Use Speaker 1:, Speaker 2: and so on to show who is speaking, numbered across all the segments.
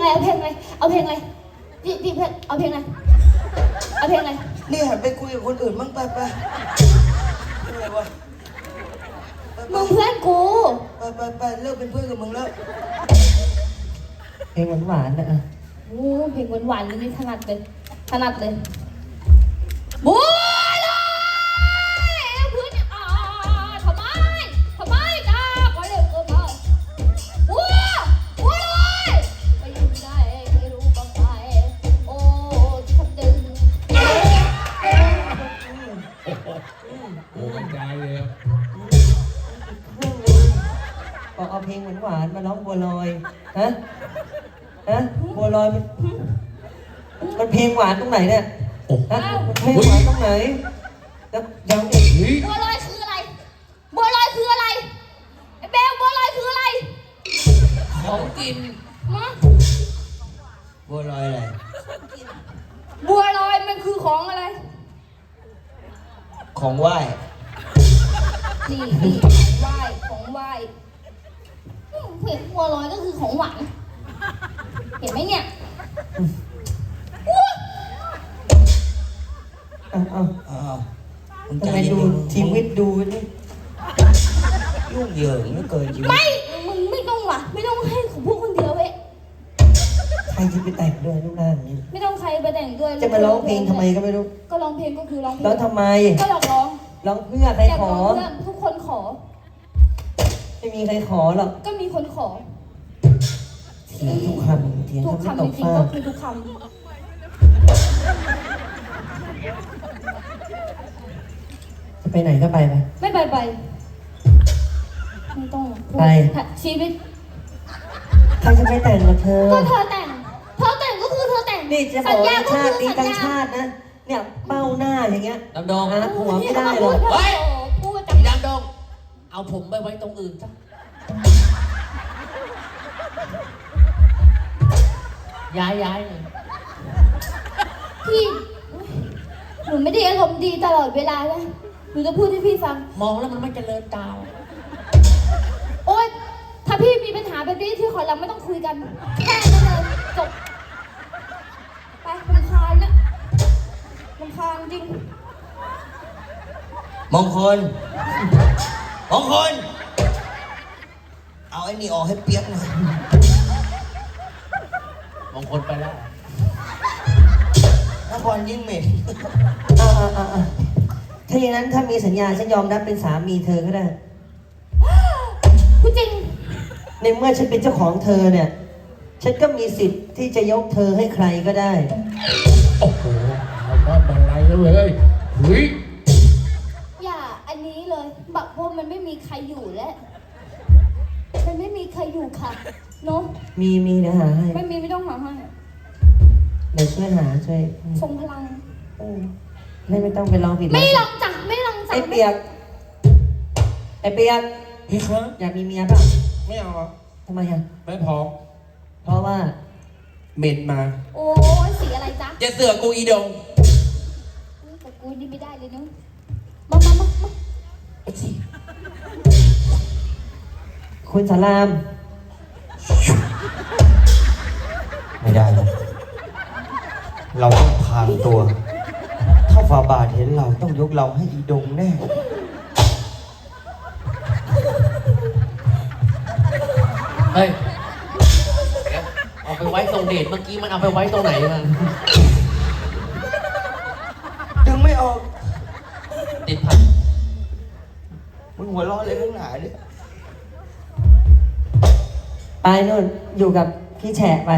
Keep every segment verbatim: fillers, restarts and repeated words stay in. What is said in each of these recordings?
Speaker 1: เอาเพลงอะไรเอาเพลงอะไรพี่พี่เพลงเอาเพลงอะไรเอาเพลงอะไร
Speaker 2: นี่หันไปคุยกับคนอื่นบ้างไปไปอะไรวะ
Speaker 1: มึงเพื่อนกู
Speaker 2: ไปไปไปเลิกเป็นเพื่อนกับมึงแล้ว
Speaker 3: เพลงหวานๆนะ
Speaker 1: โอ้เพลงหวานๆนี่ถนัดเลยถนัดเลยบัวลอยพื้นอ่าทำไมทำไมจ้าขอเร็วเกินไปบัวบัวลอยไปอยู่ที่ไหนไม่รู้บ้างไหมโอ้ฉันดึง
Speaker 4: โอ้ใจเลย
Speaker 3: บอกเอาเพลงหวานๆมาร้องบัวลอยฮะฮะบัวลอยมันมันเพลงหวานตรงไหนเนี่ยฮะมันเพลงหวานตรงไหนแล้วยังอีก
Speaker 1: บัวลอยคืออะไรบัวลอยคืออะไรไอ้เบลบัวลอยคืออะไร
Speaker 4: ของกิน
Speaker 1: ฮะ
Speaker 2: บัวลอยอะไร
Speaker 1: บัวลอยมันคือของอะไร
Speaker 2: ของไหว้
Speaker 1: นี่นี่ของไหว้ของไหว้เห็นบัวลอยก็คือของหวานเห็นไหมเนี่ย
Speaker 3: เอาเอา
Speaker 2: อ้าวมึงใจ
Speaker 3: ทำไม
Speaker 2: เย็น
Speaker 3: ดู
Speaker 2: ๆ
Speaker 3: ชีวิตดูนี่
Speaker 2: ยุ่งเหยิงเหลือเกินชีวิต
Speaker 1: ไม่มึงไม่ต้องว่ะไม่ต้องให้ของพวกคนเดียวเว้ย
Speaker 3: ใครจะไปแต่งด้วยรูปร่างอย่างนี้
Speaker 1: ไม่ต้องใครไปแต่งด้วย
Speaker 3: จะมาร้องเพลงทำไมก็ไม่รู้
Speaker 1: ก็ร้องเพลงก็คือร้องเพลง
Speaker 3: ร้องทำไม
Speaker 1: ก็หลอกร้อง
Speaker 3: ร้องเพื่อใครขอ
Speaker 1: เพื่อนทุกคนขอ
Speaker 3: ไม่มีใครขอหรอก
Speaker 1: ก็มีคนขอ
Speaker 3: เถียงทุกคำเถียง
Speaker 1: ทุก
Speaker 3: คำไม่
Speaker 1: คำ
Speaker 3: ต
Speaker 1: จ
Speaker 3: ก
Speaker 1: ริง
Speaker 3: ฟา
Speaker 1: ๆก็
Speaker 3: ก
Speaker 1: คือทุกคำ
Speaker 3: จะไปไหนก็ไปไป
Speaker 1: ไม่ไปไปไม่ต้อง
Speaker 3: ไป
Speaker 1: ชีวิต
Speaker 3: ใครจะไปแต่งกับเธอ
Speaker 1: ก็เธอแต่งเธอแต่งก็คือเธอแต่ง
Speaker 3: นี่จะบ
Speaker 1: สั
Speaker 3: อ
Speaker 1: ญ
Speaker 3: ก
Speaker 1: ญา
Speaker 3: ว่า
Speaker 1: ก็
Speaker 3: ชา
Speaker 1: คือ
Speaker 3: ตินี้
Speaker 1: สัญ
Speaker 3: ทั้ง
Speaker 1: ญา
Speaker 3: ชาตินะเนี่ยเป้าหน้าอย่างเงี้ย
Speaker 4: ดำดง
Speaker 3: หาผัวไม่ได้หรอก
Speaker 4: เฮ้ย
Speaker 1: พูด
Speaker 4: พี่
Speaker 1: จัง
Speaker 4: ดำดงเอาผมไปไว้ตรงอื่นซะย้ายย้ายเลย
Speaker 1: พี่หนูไม่ได้อารมณ์ดีตลอดเวลาเลยหนูจะพูดให้พี่ฟัง
Speaker 4: มองแล้วมันไม่เจริญตา
Speaker 1: โอ๊ยถ้าพี่มีปัญหาแบบนี้ที่ขอเราไม่ต้องคุยกันแค่นั้นเลยจบไปรำคาญนะรำคาญจริง
Speaker 2: มงคลมงคลเอาไอ้นี่ออกให้เปียกหน่อย
Speaker 4: มองคลไปแล้ว
Speaker 2: นครยิ่งเหม็น
Speaker 3: อ่าอ่าอ่าถ้าอย่างนั้นถ้ามีสัญญาฉันยอมรับเป็นสามีเธอก็ได้
Speaker 1: พูดจริง
Speaker 3: ในเมื่อฉันเป็นเจ้าของเธอเนี่ย ฉันก็มีสิทธิ์ที่จะยกเธอให้ใครก็ได้
Speaker 4: โอ้โหเอาบ้านบันไลแล้วเลยเฮ้ย
Speaker 1: อย่าอันนี้เลยแบบเพราะมันไม่มีใครอยู่แล้วมันไม่มีใครอยู่ค่ะเนาะ
Speaker 3: มีมีเดี๋ยวหาให้
Speaker 1: ไม่มีไม่ต้องหาให้
Speaker 3: เดี๋ยวช่วยหาช่วย
Speaker 1: ทรงพลัง
Speaker 3: เออไม่ไม่ต้องไปลองผิด
Speaker 1: ไม่ลองจังไม่ลองจัง
Speaker 3: ไอ้เปียกไอ้เปียก
Speaker 4: พี่ครับ
Speaker 3: อยากมีเมียเปล่ะ
Speaker 4: ไม่เอาอ่ะ
Speaker 3: ทำไมอ่ะ
Speaker 4: ไม่พร้อม
Speaker 3: เพราะว่า
Speaker 4: เมนมา
Speaker 1: โอ้ยสีอะไรจ๊ะ
Speaker 4: จะเสือกกูอีดง
Speaker 1: กับกูนี่ไม่ได้เลยเนาะมามามามา
Speaker 3: คุณสาราม
Speaker 2: ไม่ได้หรอกเราต้องพางตัว ถ้าฝ่าบาทเห็นเราต้องยกเราให้อีดงแน่
Speaker 4: เฮ้ยเอาไปไว้ตรงเดทเมื่อกี้มันเอาไปไว้ตรงไหนมา
Speaker 2: ดึงไม่ออก
Speaker 4: ติดพัน
Speaker 2: มึงหัวเร้อนเลยข้างหน้าเนี่ย
Speaker 3: ไปนู่นอยู่กับพี่แฉะไป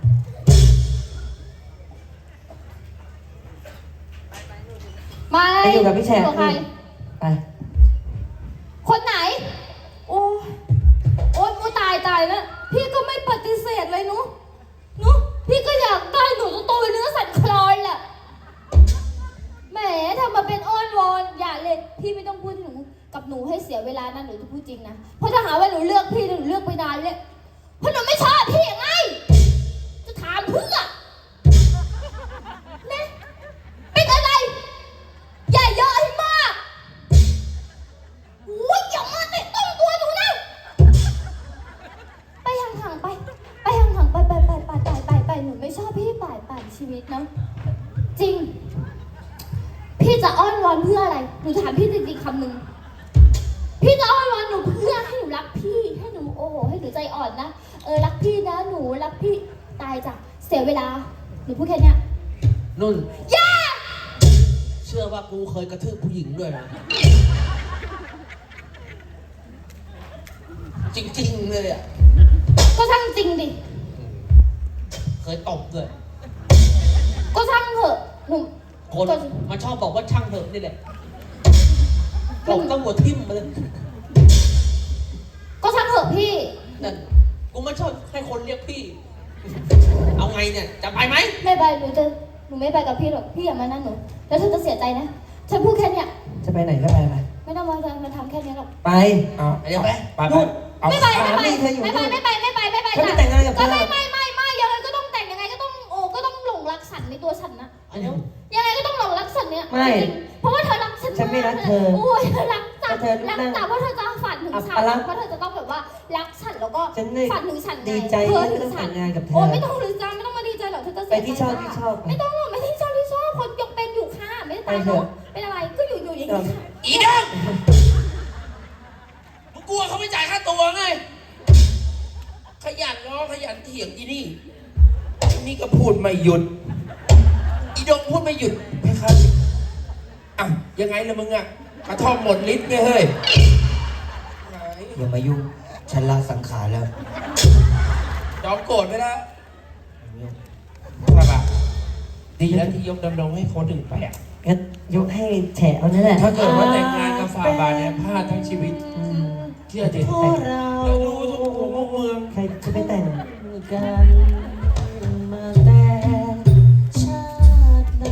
Speaker 1: มา
Speaker 3: ไปอยู่กับพี่แฉะ
Speaker 1: อยู่บใคร
Speaker 3: ไป
Speaker 1: คนไหน โอ้ยโอ๊ยกูตายตายแล้วพี่ก็ไม่ปฏิเสธเลยหนุหนุพี่ก็อยากได้หนูตัวโตเนื้อสันคลอยแหละแหมทำมาเป็นอ้อนวอนอย่าเลยพี่ไม่ต้องพูดหนูกับหนูให้เสียเวลานะหนูจะพูดจริงนะเพราะถ้าหาว่าหนูเลือกพี่หนูเลือกไปนานเลยเพราะหนูไม่ชอบพี่ไงจะถามเพื่อนะเป็นอะไรอย่าเยอะให้มากโอ้ยอย่ามาแตะต้องตัวหนูนะไปห่างๆไปไปห่างๆไปไปไปไปไปไปพี่จริงๆคำหนึ่งพี่จะอ้อนวอนหนูเพื่อให้หนูรักพี่ให้หนูโอ้โหให้หนูใจอ่อนนะเออรักพี่นะหนูรักพี่ตายจ้ะเสียเวลาหนูพูดแค่เนี้ย
Speaker 4: นุ่น
Speaker 1: ย่า
Speaker 4: เชื่อว่ากูเคยกระทืบผู้หญิงด้วยนะ จริงๆเลยอ่ะ
Speaker 1: ก็ช่างจริงดิ
Speaker 4: เคยตบด้วย
Speaker 1: ก็ช่างเถอะหนู
Speaker 4: คน
Speaker 1: ก็
Speaker 4: มันชอบบอกว่าช่างเถอะนี่แหละตบต้องหัวทิ่มมาเลย
Speaker 1: ก็ช่างเถอะพี่
Speaker 4: นั่นกูไม่ชอบให้คนเรียกพี่ เอาไงเนี่ย จะไปไหม
Speaker 1: ไม่ไปหนูจะหนูไม่ไปกับพี่หรอกพี่อย่ามานั่นหนูแล้วเธอจะเสียใจนะฉันพูดแค่เนี้ย
Speaker 3: จะไปไหนก็ไปไป
Speaker 1: ไม่ต้องมามาทำแค่เนี้ยหรอก
Speaker 3: ไป
Speaker 2: เอา
Speaker 4: เดี๋ยวไป
Speaker 2: ไปไป
Speaker 3: นู่น
Speaker 2: เอา
Speaker 1: ไม่ไปไม่
Speaker 3: สา
Speaker 1: ไป
Speaker 3: มีเธออยู่
Speaker 1: ไม่ไป
Speaker 3: นู่น
Speaker 1: ไม่ไปไม่ไปไม่ไป
Speaker 3: ฉันจะแต่งงานกับเธ
Speaker 1: ก็
Speaker 3: อ
Speaker 1: ไม่ไม่ไม่ไม่ยังไงก็ต้องแต่งยังไงก็ต้องโอ้ก็ต้องหลงรักฉันในตัวฉันนะ
Speaker 4: เดี๋ยว
Speaker 1: ยังไงก็ต้องหลงรักฉันเนี่ย
Speaker 3: ไม่
Speaker 1: จริงๆเพราะว่าเธอรักฉัน
Speaker 3: ฉันไม่รักเธอ
Speaker 1: โอ้ยเธอรักจัด
Speaker 3: แต่เธอ
Speaker 1: รัก
Speaker 3: นั่ง
Speaker 1: จัดเพราะเธอจะฝันถึงฉัน
Speaker 3: อัปลักษณ์
Speaker 1: เพราะเธอจะต้องแบบว่ารักฉันแล้วก็
Speaker 3: ฉันเลย
Speaker 1: ฝันถึงฉันไง
Speaker 3: ดีใจ
Speaker 1: เธอ
Speaker 3: ที่
Speaker 1: ถึ
Speaker 3: ได้
Speaker 1: งฉัน
Speaker 3: แต่งงานกับเธอ
Speaker 1: โอ้ไม่ต้องหรือจ้าไม่ต้องมาดีใจหรอกเธอจะเสีย
Speaker 3: ไปที่ชอบ
Speaker 1: ใจ
Speaker 3: ที่
Speaker 1: มาก
Speaker 3: ชอบ
Speaker 1: ไม่ต้องหรอกไม่ที่ชอบที่ชอบคนยกเป็นอยู่ค่ะไม่ได้ตาย
Speaker 3: ไปเถ
Speaker 1: เนาะ
Speaker 3: อะ
Speaker 1: เป็นอะไรก็อยู่อยู่อย่างนี้ค่ะ
Speaker 4: อีเด้งมึงกลัวเขาไม่จ่ายค่าตัวไง ขยันง้อขยันเถียงอีนี่
Speaker 2: อันนี้ก็พูดไม่หยุด
Speaker 4: อีดงพูดไม่หยุด
Speaker 2: ไม่ครับอ่ะยังไงล่ะมึงอ่ะกระท่อมหมดฤทธิ์ไงเฮ้ยอย่ามายุ่งฉันลาสังขารแล้ว
Speaker 4: ยอมโกรธไปแล้ว
Speaker 2: ครับอ่ะ
Speaker 4: ดีแล้วที่ยกดำรงให้คนอื่นไปอ่ะ
Speaker 3: งั้นยกให้แฉะเอานั่นแหละ
Speaker 2: ถ้าเกิดว่าแต่งงานกับฝ่าบาทเนี่ยพลาดทั้งชีวิต
Speaker 3: อืม
Speaker 2: เชื่อดิ
Speaker 3: พวกเรา
Speaker 2: แล้วดูทุกหัวมุมเมือง
Speaker 3: ใครจะไปแต่งกันมาแต่ชาติไหน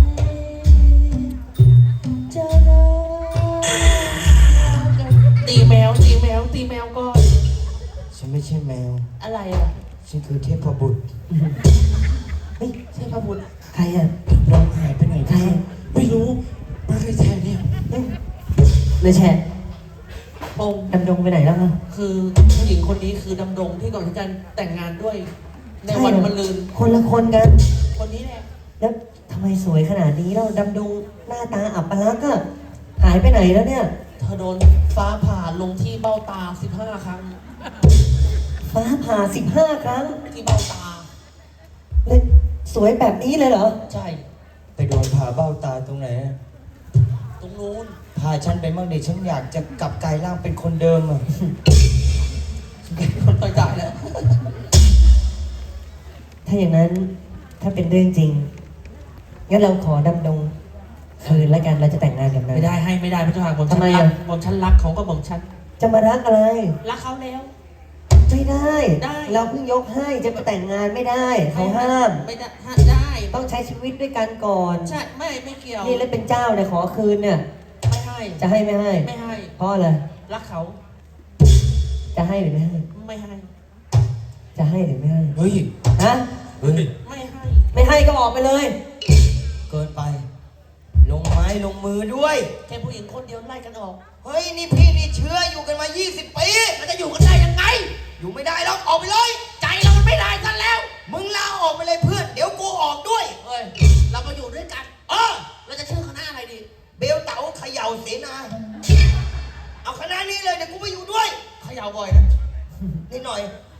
Speaker 3: จะเลิกกัน
Speaker 4: ตีแมวตีแมวตีแมวก่อน
Speaker 2: ฉันไม่ใช่แมว
Speaker 4: อะไรอ่ะ
Speaker 2: ฉันคือเทพบุตร
Speaker 3: เฮ้ย
Speaker 4: ใช่พระบุตร
Speaker 3: ใครอ่ะ
Speaker 2: เราหายไปไหน
Speaker 3: ใคร
Speaker 2: ไม่รู้มาใครแทนเนี่ย
Speaker 3: เฮ้ยเลยแฉะ
Speaker 4: ปง
Speaker 3: ดำดงไปไหนแล้วอ่ะ
Speaker 4: คือผู้หญิงคนนี้คือดำรงที่ก่อนที่จะแต่งงานด้วย ในวันมะรืน
Speaker 3: คนละคนกัน
Speaker 4: คนนี้แหละ
Speaker 3: แล้วทำไมสวยขนาดนี้แล้วดำดงหน้าตาอับปลักษณ์อะหายไปไหนแล้วเนี่ย
Speaker 4: เธอโดนฟ้าผ่าลงที่เบ้าตาสิบห้าครั้ง
Speaker 3: ฟ้าผ่าสิบห้าครั้ง
Speaker 4: ที่เบ้าตา
Speaker 3: เลยสวยแบบนี้เลยเหรอ
Speaker 4: ใช่
Speaker 2: ไปโดนผ่าเบ้าตาตรงไหนอะ
Speaker 4: ตรงนู้น
Speaker 2: พาฉันไปบ้างดิฉันอยากจะกลับกลายร่างเป็นคนเดิมอ่ะ
Speaker 4: คนไปจ่ายแล้ว
Speaker 3: ถ้าอย่างนั้นถ้าเป็นเรื่องจริง งั้นเราขอดำดงคืนแล้วกันเราจะแต่งงานกันนะ
Speaker 4: ไม่ได้ให้ไม่ได้พระเจ้าค่ะผมฉั
Speaker 3: ทำ
Speaker 4: น
Speaker 3: ไม
Speaker 4: รั
Speaker 3: อะ
Speaker 4: กผมฉันรักเขาก็ผมฉัน
Speaker 3: จะมารักอะไร
Speaker 4: รักเขาแล้ว
Speaker 3: ไม่ได้
Speaker 4: ได้
Speaker 3: เราเพิ่งยกให้จะมาแต่งงานไม่ได้ เขาห้าม
Speaker 4: ไม่ได้ห้าได้
Speaker 3: ต้องใช้ชีวิตด้วยกันก่อน
Speaker 4: ใช่ไม่ไม่เกี่ยว
Speaker 3: นี่แล้วเป็นเจ้าเนี่ยขอคืนเนี่ย
Speaker 4: ไม่ให้
Speaker 3: จะให้ไม่ให้
Speaker 4: ไม่ให้
Speaker 3: เพราะอะไร
Speaker 4: รักเขา
Speaker 3: จะให้หรือไม่ให้
Speaker 4: ไม่ให้
Speaker 3: จะให้หรือไม่ให้
Speaker 2: เฮ้ย
Speaker 3: ฮะ
Speaker 2: เฮ้ย
Speaker 4: ไม่ให้
Speaker 3: ไม่ให้ก็ออกไปเลย
Speaker 2: เกินไป ลงไม้ลงมือด้วย
Speaker 4: แค่ผู้หญิงคนเดียวไล่กันออก
Speaker 2: เฮ้ย นี่พี่นี่เชื้ออยู่กันมา ยี่สิบ ปี
Speaker 4: มันจะอยู่กันได้ยังไง
Speaker 2: อยู่ไม่ได้แล้วออกไปเลย
Speaker 4: ใจเรามันไม่ได้ซะแล้ว
Speaker 2: มึงลาออกไปเลยเพื่อน เดี๋ยวกูออกด้วย
Speaker 4: เฮ้ยเรามาอยู่ด้วยกัน
Speaker 2: เออ
Speaker 4: เราจะชื่อคณะอะไรดี
Speaker 2: เบลเต๋าเขย่าเสนา เอาคณะนี้เลยเดี๋ยวกูไปอยู่ด้วย
Speaker 4: เขย่าบ่อยนะ
Speaker 2: นิดหน่อย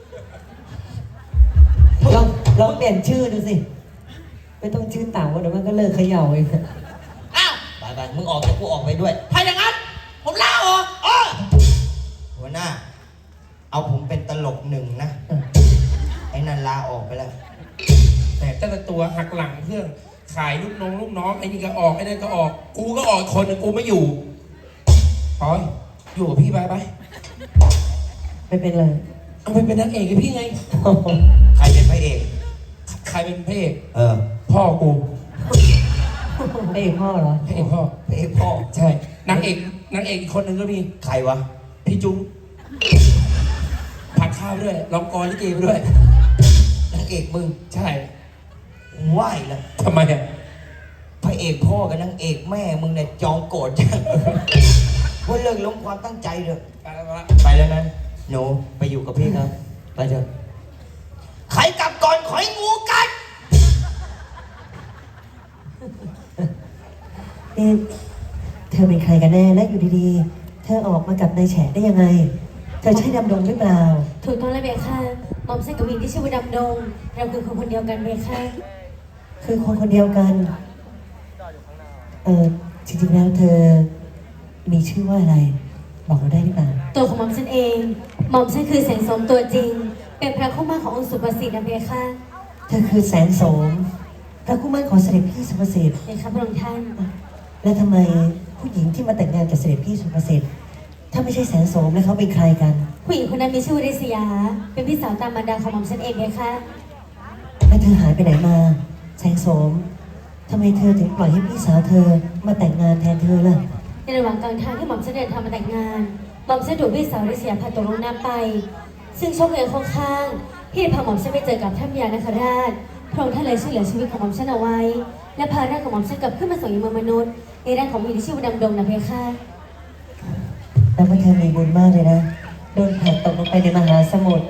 Speaker 3: ลองลองเปลี่ยนชื่อดูสิ ไม่ต้องชื่อเต่าเดี๋ยวมันก็เลิกเขย่าเอง
Speaker 4: อ้าว
Speaker 2: ไปไปมึงออกเดี๋ยวกูออกไปด้วย
Speaker 4: ถ้าอย่างนั้น ผมลาออก
Speaker 2: เออหัวหน้า เอาผมเป็นตลกหนึ่งนะ ไอ้นันลาออกไปแล้ว
Speaker 5: แต่แต่ละตัวหักหลังเพื่อนขายลูกน้องลูกน้องไอ้นี่ก็ออกไอ้นั่นก็ออก กูก็ออกอีกคนนึงกูไม่อยู่ปอยอยู่กับพี่ไปไป
Speaker 3: ไม่เป็นไร
Speaker 5: เอาไปเป็นนางเอกกับพี่ไง
Speaker 2: ใครเป็นพระเอก
Speaker 5: ใครเป็นพระเอก
Speaker 2: เออ
Speaker 5: พ่อกู
Speaker 3: ไอ้พ่อเหรอ
Speaker 5: พระเอกพ่อ
Speaker 2: พระเอกพ่อ
Speaker 5: ใช่นางเอกนางเอกอีกคนนึงก็มี
Speaker 2: ใครวะ
Speaker 5: พี่จุ้งผัดข้าวด้วยร้องกลอนลิเกไปด้วย
Speaker 2: นางเอกมึง
Speaker 5: ใช่
Speaker 2: ไหวแล้ว
Speaker 5: ทำไมอ่ะ
Speaker 2: พระเอกพ่อกับนางเอกแม่มึงเนี่ยจองโกรธจังว่าเลิกล้มความตั้งใจเถอะ
Speaker 5: ไปแล้วไปแล้ว
Speaker 2: ไปแล้วนะหนูไปอยู่กับพี่ครับ ไปเถอะใครกลับก่อนขอยงูกัด
Speaker 3: นี่เธอเป็นใครกันแน่และอยู่ดีๆ เธอออกมากับนายแฉะได้ยังไง เธอใช่ดำดงหรือเปล่า
Speaker 1: ถูกต้องแล้วเบค่ะหม่อมฉันกับหญิงที่ชื่อว่าดำดง เราคือคนคนเดียวกันเบค่ะ
Speaker 3: คือคนคนเดียวกัน เออจริงๆแล้วเธอมีชื่อว่าอะไร บอกเราได้หรือเปล่า
Speaker 1: ตัวของหม่อมฉันเอง หม่อมฉันคือแสงสมตัวจริง เป็นพระคู่มั่นขององค์สุภสิทธิ์นะเบค่ะ
Speaker 3: เธอคือแสงโสมพระคู่มั่นของเสด็จพี่สุภสิทธิ์
Speaker 1: เบค่ะพระองค์ท่าน
Speaker 3: และทำไมผู้หญิงที่มาแต่งงานกับเสด็จพี่สุภสิทธิ์ถ้าไม่ใช่แสงโสมแล้วเขาเป็นใครกัน
Speaker 1: ผู้หญิงคนนั้นมีชื่อว่าริษยา เป็นพี่สาวตามมารดาของหม่อมฉันเองเบค่ะ
Speaker 3: แล้วเธอหายไปไหนมา แสงโสมทำไมเธอถึงปล่อยให้พี่สาวเธอมาแต่งงานแทนเธอล่ะ
Speaker 1: ในระหว่างกลางทางที่หม่อมฉันเดินทางมาแต่งงาน หม่อมฉันถูกพี่สาวริษยาพาตกลงน้ำไป ซึ่งโชคเอ๋ยค่อนข้างที่จะพาหม่อมฉันไปเจอกับท่านพญานคราช พระองค์ท่านเลยช่วยเหลือชีวิตของหม่อมฉันเอาไว้ และพาร่างของหม่อมฉันกลับขึ้นมาสู่ยังเมืองมนุษย์ในร่างของผู้หญิงที่ชื่อว่าดำดงนะเพคะ
Speaker 3: แต่ว่าเธอมีบุญมากเลยนะ โดนผลักตกลงไปในมหาสมุทร